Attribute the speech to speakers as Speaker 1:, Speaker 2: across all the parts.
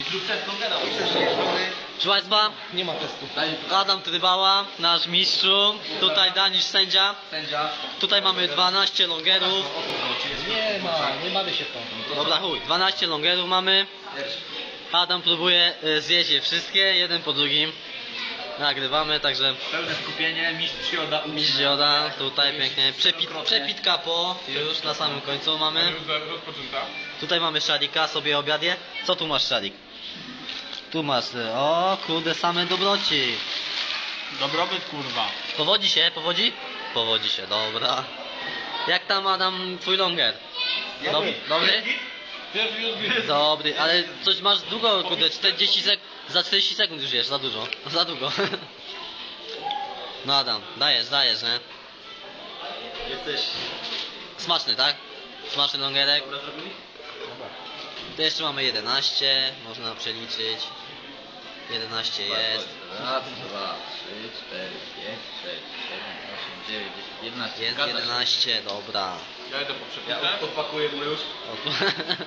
Speaker 1: Zrób test longera.
Speaker 2: Proszę Państwa,
Speaker 1: Nie ma testu.
Speaker 2: Adam Trybała, nasz mistrzu, tutaj Danisz sędzia.
Speaker 1: Sędzia.
Speaker 2: Tutaj mamy 12 longerów.
Speaker 1: Nie bawię się w to.
Speaker 2: Dobra chuj, 12 longerów mamy. Adam próbuje zjeść je wszystkie, jeden po drugim. Nagrywamy, także
Speaker 1: Pełne skupienie, mistrz Joda.
Speaker 2: mistrz Joda, tutaj pięknie. Przepitka po, już na samym końcu mamy.
Speaker 3: Rozpoczęta.
Speaker 2: Tutaj mamy szarika, sobie obiadie. Co tu masz, szarik? Tu masz, o kurde, same dobroci.
Speaker 3: Dobrobyt kurwa.
Speaker 2: Powodzi się, powodzi? Powodzi się, dobra. Jak tam Adam, twój longer? Dobry? Dobry, ale coś masz długo, kurde, 40 za 40 sekund już jesz, za dużo, za długo. No Adam, dajesz, nie?
Speaker 1: Jesteś...
Speaker 2: Smaczny, tak? Smaczny longerek.
Speaker 1: Dobra zrobili?
Speaker 2: Tu jeszcze mamy 11, można przeliczyć. 11 jest.
Speaker 1: Raz, 2, 3, 4, 5, 6, 7, 8, 9, 10, 11.
Speaker 2: Jest 11, dobra.
Speaker 3: Ja idę po
Speaker 1: Ja
Speaker 3: przepitę.
Speaker 1: odpakuję mu już.
Speaker 2: O, tu.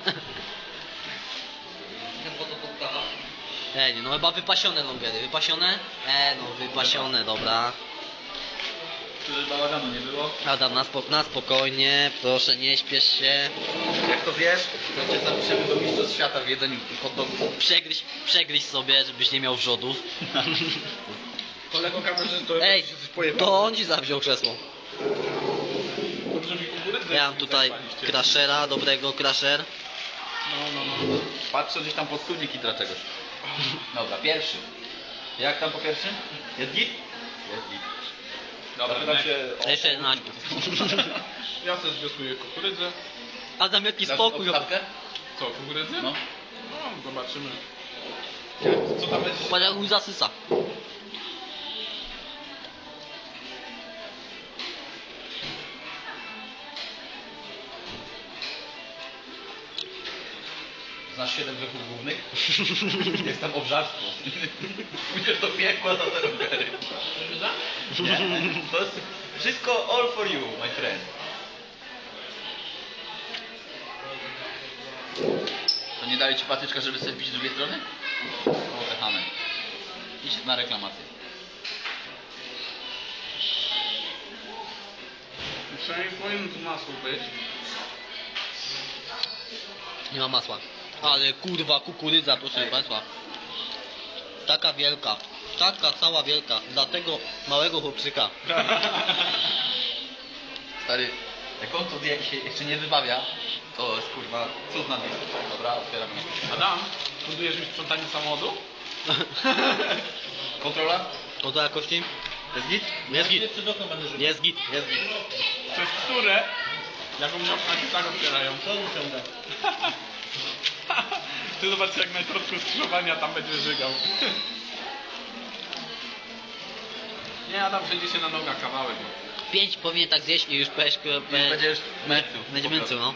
Speaker 2: Ej, no chyba wypasione longery, wypasione? No wypasione, dobra.
Speaker 1: Żeby bałaganu nie było.
Speaker 2: Adam, na spokojnie, proszę nie śpiesz się.
Speaker 1: Jak to wiesz, to cię zapiszemy do mistrzostw świata w jedzeniu hot dogów.
Speaker 2: Przegryź sobie, żebyś nie miał wrzodów.
Speaker 3: Kolego kamerzysto,
Speaker 2: Ej,
Speaker 3: się coś pojebał.
Speaker 2: to on ci zawziął krzesło.
Speaker 3: Dobrze mi kukurydzę.
Speaker 2: Ja mam tutaj crashera, dobrego crasher.
Speaker 3: No.
Speaker 1: Patrzę gdzieś tam pod studnik i dla czegoś. Dobra, pierwszy. Jak tam po pierwszym? Jest git? Jest git.
Speaker 3: Dobra,
Speaker 1: Zapytam się o...
Speaker 2: Jeszcze 11.
Speaker 3: Ja też wiosuję kukurydzę.
Speaker 2: Adam, jaki
Speaker 1: Dasz
Speaker 2: spokój.
Speaker 1: odstawkę?
Speaker 3: Co, kukurydzę?
Speaker 1: No.
Speaker 3: No, zobaczymy. Co tam będzie?
Speaker 2: Patrz jak mój zasysa.
Speaker 1: Znasz 7 grzechów głównych? Jest tam obżarstwo. Pójdziesz do piekła za te rowery. Nie, to jest wszystko all for you, my friend. To nie dali ci patyczka, żeby sobie wbić z drugiej strony? O, te chamy. Idź na reklamację.
Speaker 3: Przynajmniej powinno tu masło być.
Speaker 2: Nie ma masła. Ale kurwa, kukurydza, proszę Państwa. Taka wielka. Taka cała wielka. Dla tego małego chłopczyka.
Speaker 1: Stary, jak on to zje i się jeszcze nie wybawia, to jest kurwa cud na dniu. Dobra, otwieram.
Speaker 3: Adam, budujesz mi sprzątanie samochodu?
Speaker 1: Kontrola?
Speaker 2: Oto jakości?
Speaker 1: Jest git?
Speaker 2: Jest git. Jest git.
Speaker 1: Jest git.
Speaker 3: Przez które? Jak u mnie okna się tak otwierają. Co usiądę? Ty zobacz jak na środku skrzyżowania tam będzie żygał. Nie, Adam przejdzie się na nogach kawałek.
Speaker 2: 5 powinien tak zjeść i już
Speaker 1: Będzie już męcu.
Speaker 2: będzie męczył, no.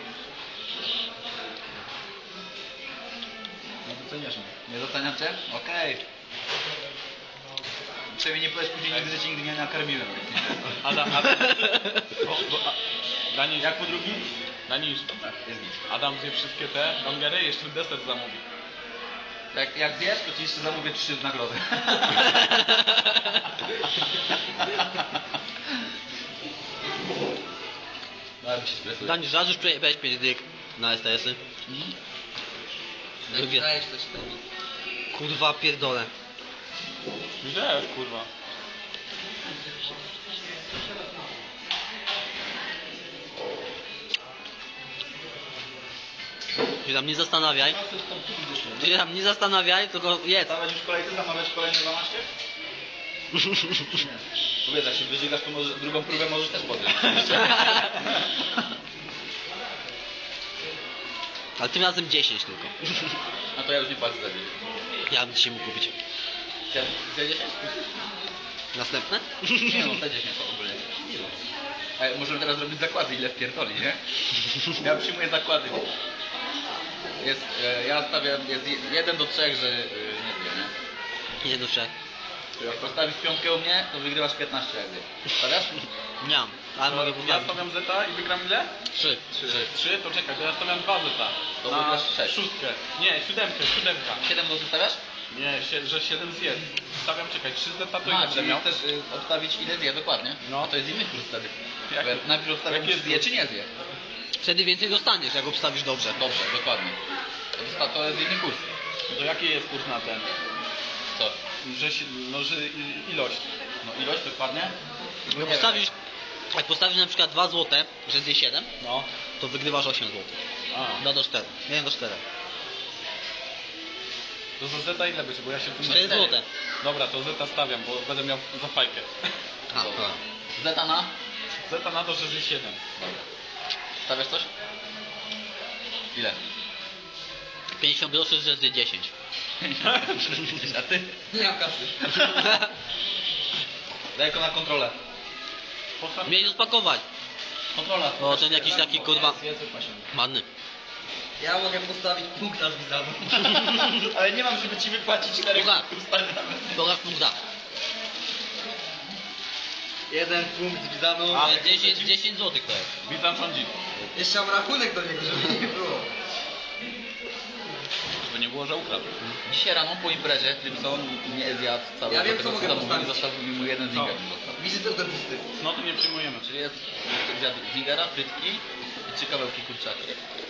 Speaker 1: Nie doceniasz mnie. Nie doceniam cię? Okej. Przynajmniej nie powiesz później nigdy, że cię nigdy nie nakarmiłem.
Speaker 3: Adam. Danisz,
Speaker 1: Jak po drugi?
Speaker 3: Danisz,
Speaker 1: Jest git.
Speaker 3: Adam zje wszystkie te longery, jeszcze deser zamówi.
Speaker 1: Jak zjesz, to ci jeszcze zamówię 3 w nagrodę. No, ale mi się stresuje.
Speaker 2: Danisz, raz już przejechałeś 5 dyk na STS-y. Lubię. Kurwa, pierdolę.
Speaker 3: Gdzie, kurwa?
Speaker 2: Ty tam nie zastanawiaj. Ty tam nie zastanawiaj, tylko jedz.
Speaker 1: Stawiać już kolejce, zamawiać kolejne 12? Powiedz, jak się wyżygasz, to może, drugą próbę możesz też podjąć.
Speaker 2: Ale tym razem 10 tylko.
Speaker 1: A to ja już nie płacę za 10.
Speaker 2: Ja bym dzisiaj mógł kupić.
Speaker 1: Chciałem za 10?
Speaker 2: Następne?
Speaker 1: Nie no, te 10 to ogólnie. A możemy teraz robić zakłady, ile wpierdoli, nie? Ja przyjmuję zakłady. Jest, ja stawiam, jest 1 do 3, że nie wiem, nie?
Speaker 2: Nie do 3.
Speaker 1: Jak postawisz piątkę u mnie, to wygrywasz 15 jak zje. Stawiasz?
Speaker 2: Nie mam. Ale mogę
Speaker 3: Ja
Speaker 2: poprawić.
Speaker 3: stawiam zeta i wygram ile?
Speaker 2: 3.
Speaker 3: 3, to czekaj, to ja stawiam 2 zeta.
Speaker 1: To
Speaker 3: na
Speaker 1: wygrasz 6.
Speaker 3: szóstkę. Nie, siódemka.
Speaker 1: 7 do zostawiasz?
Speaker 3: Nie, że 7 zjedz. Stawiam, czekaj, 3 zeta to
Speaker 1: A,
Speaker 3: ile będę
Speaker 1: czyli
Speaker 3: miał?
Speaker 1: chcesz obstawić ile zje dokładnie.
Speaker 3: No.
Speaker 1: A to jest inny kurs wtedy.
Speaker 3: Jaki?
Speaker 1: Bo ja najpierw obstawiam,
Speaker 3: Jaki
Speaker 1: czy
Speaker 3: jest
Speaker 1: zje,
Speaker 3: kurs?
Speaker 1: czy nie zje.
Speaker 2: Wtedy więcej dostaniesz, jak obstawisz dobrze.
Speaker 1: Dobrze, dokładnie. To jest inny kurs.
Speaker 3: To jaki jest kurs na ten?
Speaker 1: Co?
Speaker 3: Że ilość.
Speaker 1: No ilość dokładnie?
Speaker 2: Jak postawisz, jak postawisz na przykład 2 złote, że zje 7,
Speaker 3: No.
Speaker 2: to wygrywasz 8 zł.
Speaker 3: A.
Speaker 2: 2 do 4. 1 do 4.
Speaker 3: To za zeta ile będzie, bo ja się tym
Speaker 2: 4 złote.
Speaker 3: Dobra, to zeta stawiam, bo będę miał za fajkę.
Speaker 2: A,
Speaker 1: Dobra.
Speaker 2: dobra.
Speaker 1: Zeta na?
Speaker 3: Zeta na to, że zje 7.
Speaker 1: Dobra. Stawiasz coś? Ile?
Speaker 2: 50 groszy, że zje 10.
Speaker 1: A ty?
Speaker 2: Nie mam kasy.
Speaker 1: Daj go na kontrolę.
Speaker 2: Mieli rozpakować.
Speaker 1: Kontrola.
Speaker 2: O, ten jakiś taki kurwa
Speaker 1: Jest wypasie.
Speaker 2: ładny.
Speaker 4: Ja mogę postawić punkt na Wizanu.
Speaker 1: Ale nie mam, żeby ci wypłacić 4
Speaker 2: Dobra. Pokaż punkta.
Speaker 4: Jeden punkt z Wizanu.
Speaker 2: To jest 10 zł to jest.
Speaker 3: Witam rządzi.
Speaker 4: Jeszcze mam rachunek do niego, żeby nie było.
Speaker 3: Żeby nie było, że ukradł.
Speaker 1: Dzisiaj rano po imprezie Trypson nie zjadł całego
Speaker 4: Ja wiem,
Speaker 1: tego,
Speaker 4: co mogę
Speaker 1: zamówił,
Speaker 4: postawić.
Speaker 1: zostawił mi mu jeden zinger.
Speaker 4: Wizytę do dentysty.
Speaker 3: No to nie przyjmujemy.
Speaker 1: Czyli jest zjadł zingera, frytki i 3 kawałki kurczaka.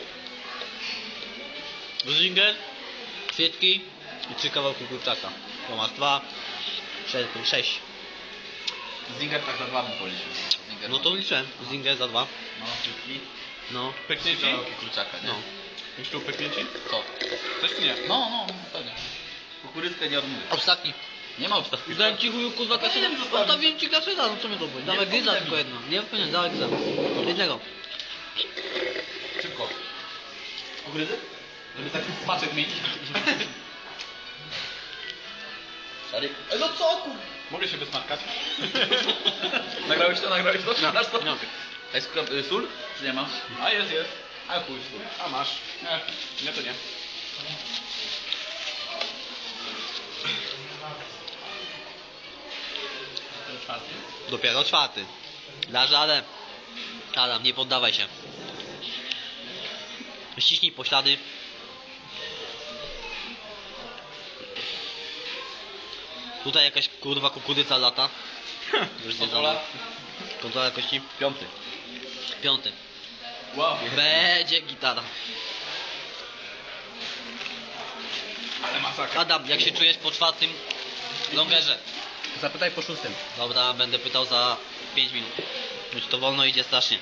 Speaker 2: Zinger, kwietki i 3 kawałki kurczaka. To masz 2, 4, 6.
Speaker 1: Zinger tak za 2 bym policzył. Zinger
Speaker 2: No to liczyłem. Zinger za 2.
Speaker 1: No, frytki,
Speaker 2: No.
Speaker 1: 3
Speaker 3: Pyknięci?
Speaker 1: kawałki kurczaka, nie?
Speaker 2: No.
Speaker 3: Już tu pyknięci?
Speaker 1: Co?
Speaker 3: Coś czy nie?
Speaker 1: No, pewnie. Kukurydzkę nie odmówię.
Speaker 2: Ostatni.
Speaker 1: Nie ma obstawki.
Speaker 2: Dałem ci chuju kurwa kaseta. Zostawiłem ci kaseta, no co mnie to boli. Dawaj gryza
Speaker 1: pomogę
Speaker 2: tylko
Speaker 1: mi.
Speaker 2: jedno. Nie powinien, dawaj gryza. Jednego.
Speaker 1: Szybko. Kukurydzy? Żeby taki smaczek mieć. Stary. No co kur...
Speaker 3: Mogę się wysmarkać?
Speaker 1: Nagrałeś to?
Speaker 2: No,
Speaker 1: Masz to?
Speaker 2: no.
Speaker 1: A jest sól? Czy nie ma?
Speaker 3: A jest.
Speaker 1: A chuj sól.
Speaker 3: A masz. Nie, to nie. Ten czwarty.
Speaker 2: Dopiero 4. Dasz radę. Adam, nie poddawaj się. Ściśnij poślady. Tutaj jakaś kurwa kukurydza lata. Już
Speaker 1: Kontrola?
Speaker 2: zjedzona. Kontrola jakości.
Speaker 1: 5.
Speaker 2: 5.
Speaker 3: Wow.
Speaker 2: Będzie gitara.
Speaker 3: Ale masakra.
Speaker 2: Adam, jak się czujesz po 4. longerze?
Speaker 1: Zapytaj po 6.
Speaker 2: Dobra, będę pytał za 5 minut. Już to wolno idzie strasznie.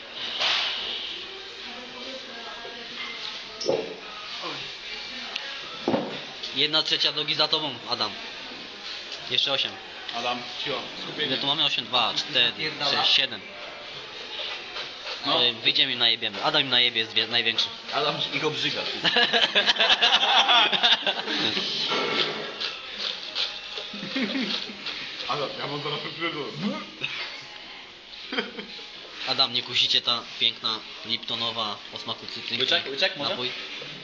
Speaker 2: Jedna trzecia drogi za tobą, Adam. Jeszcze 8.
Speaker 3: Adam, cicho.
Speaker 2: Ile
Speaker 3: Skupienie.
Speaker 2: tu mamy? 8, 2, 4, 6, 7.
Speaker 1: No.
Speaker 2: Wyjdziemy im najebiemy. Adam im najebie jest największy.
Speaker 1: Adam ich obrzyga.
Speaker 3: Adam, ja mam zaraz wyprzedzę.
Speaker 2: Adam, nie kusicie ta piękna Liptonowa o smaku cytrynki.
Speaker 1: Łyczek może?
Speaker 2: Napój.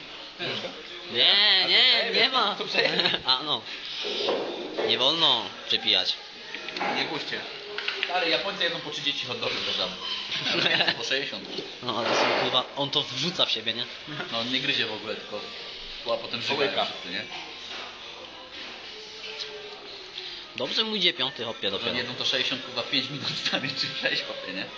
Speaker 2: Nie, nie ma.
Speaker 1: To przejedź.
Speaker 2: A no. Nie wolno przepijać.
Speaker 1: Nie puśćcie. Ale Japońcy jedzą po 30 hot dogów do żaby. Po 60.
Speaker 2: No ale są kurwa, on to wrzuca w siebie, nie?
Speaker 1: No on nie gryzie w ogóle, tylko a potem
Speaker 3: Połyka.
Speaker 1: żygają wszyscy, nie?
Speaker 2: Dobrze mu idzie 5 hopie
Speaker 1: Że
Speaker 2: dopiero.
Speaker 1: jedzą to 60 chyba 5 minut stary, czy 6 hopie, nie?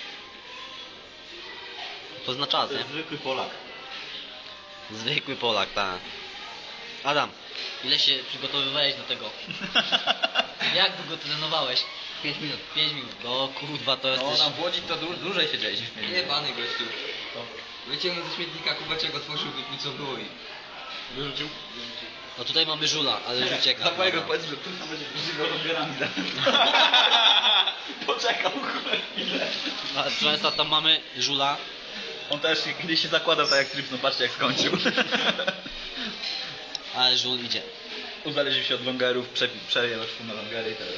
Speaker 2: To zna czas,
Speaker 1: To
Speaker 2: nie?
Speaker 1: jest zwykły Polak.
Speaker 2: Zwykły Polak, tak. Adam, ile się przygotowywałeś do tego? Jak długo trenowałeś?
Speaker 1: 5 minut.
Speaker 2: 5 minut. No kurwa, to
Speaker 1: No
Speaker 2: jesteś...
Speaker 1: nam w Łodzi to dłużej siedzieliśmy.
Speaker 4: Jebany gościu. Wyciągnął ze śmietnika kubeczek, otworzył, wypił co było i...
Speaker 3: Wyrzucił?
Speaker 2: No tutaj mamy żula, ale już ucieka.
Speaker 1: Za mojego
Speaker 2: Dobra.
Speaker 1: powiedz, że tu będzie żywo odbierami. Poczekał chwilę.
Speaker 2: A, proszę Państwa, tam mamy żula.
Speaker 1: On też kiedyś się zakładał tak jak Trips, no patrzcie jak skończył.
Speaker 2: Ale żul idzie.
Speaker 1: Uzależnił się od longerów, przejął na longery i teraz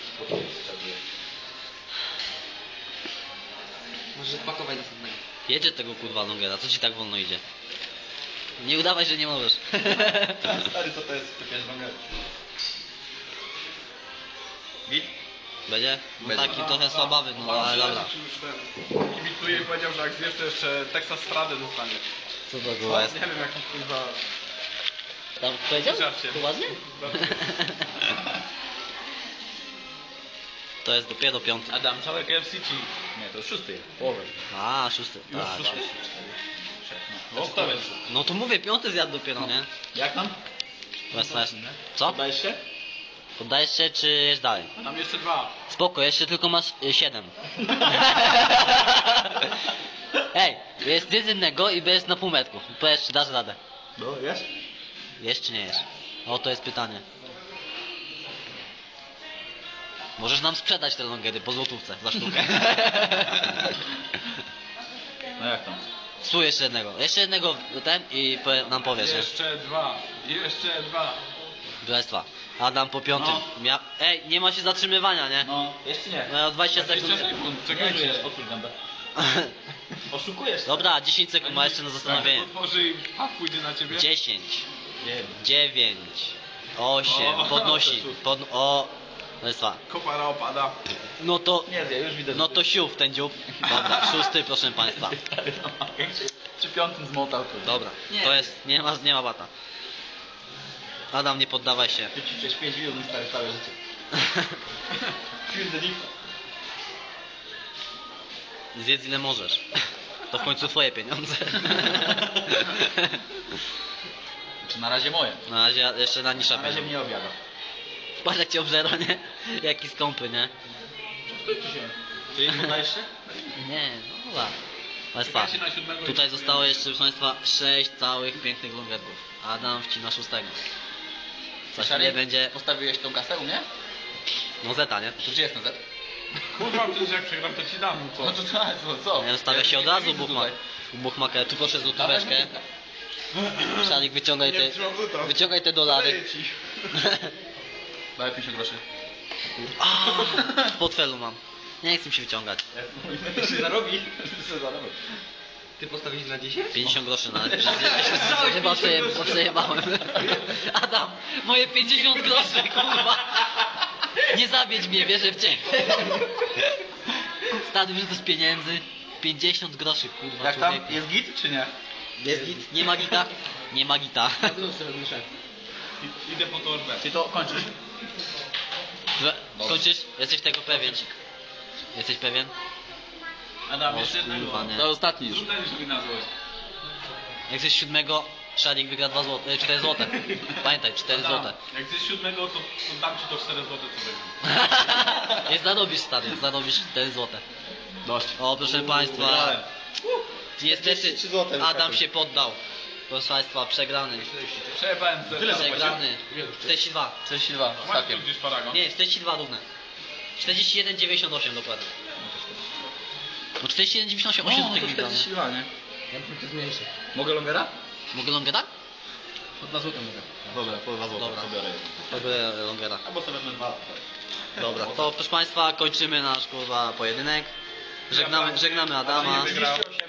Speaker 4: Może pakować następnego.
Speaker 2: Jedzie tego kurwa longera, co ci tak wolno idzie? Nie udawaj, że nie możesz.
Speaker 1: Stary, to jest typiarz longery. Git?
Speaker 2: Będzie? No
Speaker 1: Będzie.
Speaker 2: taki trochę słabawy, no ale dobra.
Speaker 3: Kibicuje i powiedział, że jak zjesz, to jeszcze Texas Stradę dostanie.
Speaker 2: Co to kurwa jest?
Speaker 3: Nie wiem jaki kurwa...
Speaker 2: Tam powiedział?
Speaker 3: Żarcie.
Speaker 2: Poważnie? To jest dopiero piąty.
Speaker 3: Adam, całe KFC ci.
Speaker 1: Nie, to już 6. Połowę.
Speaker 2: A, szósty.
Speaker 3: Już
Speaker 2: Tak.
Speaker 3: szósty?
Speaker 1: No, to jest.
Speaker 2: No to mówię, piąty zjadł dopiero, nie?
Speaker 1: Jak tam?
Speaker 2: Weź. Co?
Speaker 1: Podajesz się?
Speaker 2: Poddajesz się, czy jesz dalej?
Speaker 3: A tam jeszcze 2.
Speaker 2: Spoko, jeszcze tylko masz 7. Ej, jest nic innego i jest na półmetku. Powiedz, czy dasz radę.
Speaker 1: No, jest.
Speaker 2: Jesz czy nie jesz? O, to jest pytanie. Możesz nam sprzedać te longery po złotówce za sztukę.
Speaker 1: No jak tam?
Speaker 2: Tu jeszcze jednego. Jeszcze jednego ten i nam powiesz, nie?
Speaker 3: Jeszcze 2. Jeszcze 2.
Speaker 2: Królestwa. Adam po piątym.
Speaker 1: No.
Speaker 2: Ej, nie ma się zatrzymywania, nie?
Speaker 1: No, jeszcze nie.
Speaker 2: No 20 sekund.
Speaker 3: 20 sekund, czekajcie.
Speaker 1: Otwórz gębę. Oszukujesz.
Speaker 2: Dobra, 10 sekund ma jeszcze na zastanowienie.
Speaker 3: Otworzy i pójdzie na ciebie.
Speaker 2: 10,
Speaker 1: Nie.
Speaker 2: 9, 8,
Speaker 3: O,
Speaker 2: podnosi. O, Królestwa.
Speaker 3: Kopara opada.
Speaker 2: No to,
Speaker 1: Nie zje, już widzę.
Speaker 2: no to siów ten dziób. Dobra, 6, proszę państwa.
Speaker 1: Przy 5 zmotał to.
Speaker 2: Dobra, to jest, nie ma bata. Adam, nie poddawaj się.
Speaker 1: Ty ci przez 5 minut stary całe życie. Feel the difference.
Speaker 2: Zjedz ile możesz. To w końcu twoje pieniądze.
Speaker 1: Czy na razie moje?
Speaker 2: Na razie jeszcze na nisza
Speaker 1: Na razie
Speaker 2: pieniądze.
Speaker 1: mnie obiada.
Speaker 2: Patrz jak cię obżera, nie? Jaki skąpy, nie?
Speaker 1: Skończy się. Czy nie podajesz się?
Speaker 2: Nie, no dobra. Państwa,
Speaker 3: Czekajcie na 7 i
Speaker 2: tutaj zostało jeszcze, proszę Państwa, 6 całych pięknych longerków. Adam wcina 6. Za chwilę będzie,
Speaker 1: Postawiłeś tą kasę u mnie?
Speaker 2: no zeta, nie?
Speaker 1: To gdzie jest na Z?
Speaker 3: Kurwa, przecież jak przegram to ci dam.
Speaker 1: No to tak, co?
Speaker 2: Nie, stawia się od razu buchmaker. Tu proszę złotóweczkę. Szalik, wyciągaj te dolary.
Speaker 1: Daj 50 groszy.
Speaker 2: A, w portfelu mam. Nie chcę mi się wyciągać.
Speaker 1: się zarobi.
Speaker 4: Ty postawić na 10?
Speaker 2: 50 groszy na chyba przejebałem. Adam, moje 50 groszy, kurwa. Nie zawiedź mnie, wierzę w ciebie. Stary, że to z pieniędzy. 50 groszy, kurwa,
Speaker 1: Jak tam?
Speaker 2: człowieku.
Speaker 1: Jest git czy nie?
Speaker 2: Jest git? Nie ma gita? Nie ma gita.
Speaker 3: Idę po torbę.
Speaker 1: Czy to kończysz?
Speaker 2: Kończysz? Jesteś tego pewien? Jesteś pewien?
Speaker 3: Adam,
Speaker 2: O,
Speaker 3: jeszcze jednego.
Speaker 2: kurwa, nie.
Speaker 1: To ostatni już.
Speaker 3: Rzucaj sobie na złość.
Speaker 2: Jak jesteś 7, Szarik wygra 2 złote, 4 złote. Pamiętaj, 4
Speaker 3: Adam,
Speaker 2: złote.
Speaker 3: jak jesteś 7, to dam ci to 4 zł co będzie.
Speaker 2: Nie zarobisz, stary, zarobisz 4 złote.
Speaker 1: Dość.
Speaker 2: O, proszę Państwa,
Speaker 1: Wygrałem.
Speaker 2: niestety
Speaker 1: 43 złote
Speaker 2: Adam
Speaker 1: wyskakuj.
Speaker 2: się poddał. Proszę Państwa, przegrany.
Speaker 3: Przejebałem ze.
Speaker 1: Tyle
Speaker 2: Przegrany. 42.
Speaker 1: 42
Speaker 3: Masz tu
Speaker 2: Tak.
Speaker 1: ostatkiem.
Speaker 3: gdzieś paragon?
Speaker 2: Nie, 42 równe. 41,98 dokładnie. No 41,98
Speaker 1: O,
Speaker 2: do
Speaker 1: to
Speaker 2: tego nie?
Speaker 1: 42, nie?
Speaker 4: Ja bym to zmniejszył.
Speaker 1: Mogę longera?
Speaker 2: Mogę longera?
Speaker 1: Po 2 zł mogę. Dobra, po 2 zł.
Speaker 2: Dobra.
Speaker 1: Pobiorę.
Speaker 2: Mogę longera.
Speaker 1: Albo sobie wezmę 2.
Speaker 2: Dobra, to proszę Państwa, kończymy nasz kurwa pojedynek. Żegnamy Adama.
Speaker 3: Adam nie wygrał.